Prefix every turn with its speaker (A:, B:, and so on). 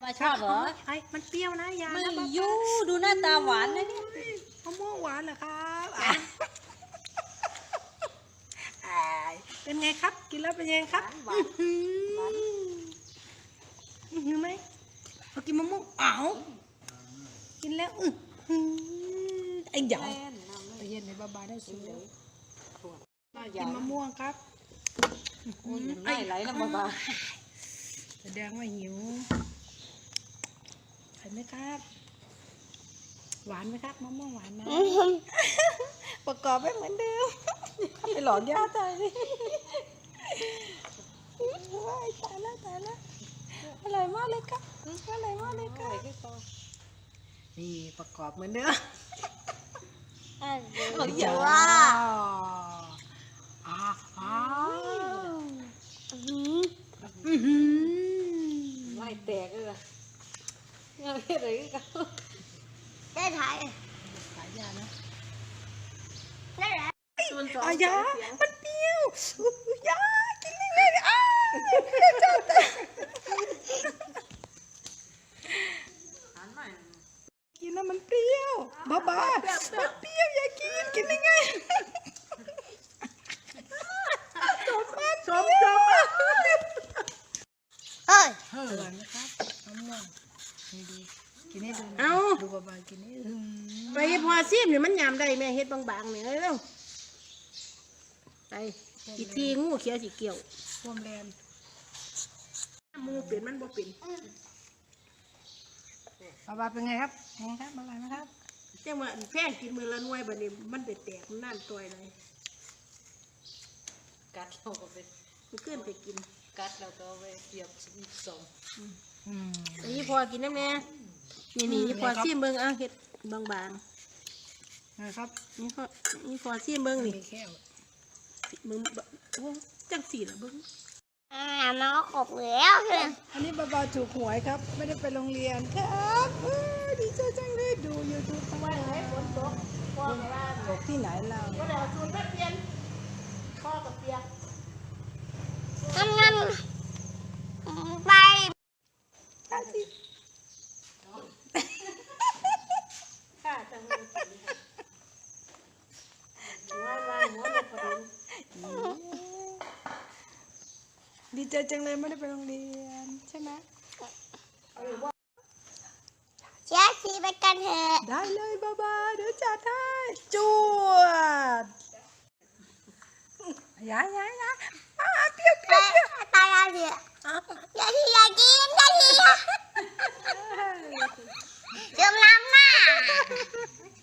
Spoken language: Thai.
A: ชอบเหรอ
B: ไอ้มันเปรี้ยวนะยา
A: ไม่ยูดูหน้าตาหวานนะเนี่ย
B: มะม่วงหวานเหรอครับเป็นไงครับกินแล้วเป็นไงครับหวานไหมเอากินมะม่วงกินแล้วไอ้หยาไอ้เย็นในบ้าได้สูกินมะม่วงครับ
A: ไม่ไหลนะบ้า
B: แสดงว่าหิวเห็นไหมครับหวานไหมครับมะม่วงหวานไหมประกอบไม่เหมือนเดิมไปหลอนย่าตายเลยตายแล้วอร่อยมากเลยครับอร่อยมากเลยครับนี่ประกอบเหมือนเดิม
A: อย่า
B: ว้าว
A: ไม่แตกเลยงานอะไรกัน
C: ได้ถ่าย
B: ยานะ
C: ได้แล้ว
B: ยามันเปรี้ยวยากินเลยกินแล้วมันเปรี้ยวบ้ามันเปรี้ยวอย่ากินได้ไงจบ
C: เฮ้ย
B: อร่อยนะครับมะม่วงดีกินให้ดูดูบ้ากินให้ไปพอซีมเนี่ยมันยำได้แม่เฮ็ดบางๆเนี่ยเร็วไปอีกทีงูเขียวสีเกี่ยวร่วมแรงมูเปลี่ยนมันบ่เปลี่ยนบาเป็นไงครับอร่อยไหมครับเจ้ามาแพงกินมือละหน่วยบัดนี้มันไปแตกมันนั่นตัวเลย
A: กัดเราก็ไป
B: มันขึ้นไปกิน
A: กัดเราก็ไปเสียบสอง
B: อันนี้พอกินน้ำแน่นี่พอซีมเบิ้งเฮ็ดบางๆนะครับนี่พอซีมเบิ้งนี่เบิ้งจังสีละเบิ้ง
C: น้องขบแล้วเลย
B: อันนี้บาถูกหวยครับไม่ได้ไปโรงเรียนครับดีใจจังเลยดูยูทูบทั้งวันไหนฝนตกพ่อกับว่าตกที่ไหนเราก็เดี๋ยวชวนแม่เปลี่ยนพ่อกับเปียก
C: งั้นไป
B: ข้าสิข้าจังเลยหัวพอดีใจจังเลยไม่ได้ไปโรงเรียนใช่ไหม
C: เชียร์ซีไปกันเถอะ
B: ได้เลยบ้าเดี๋ยวจัดให้จวดยาเปรี้ยว
C: ตายแล้วเนี่ยอย่ากินเติมน้ำหน้า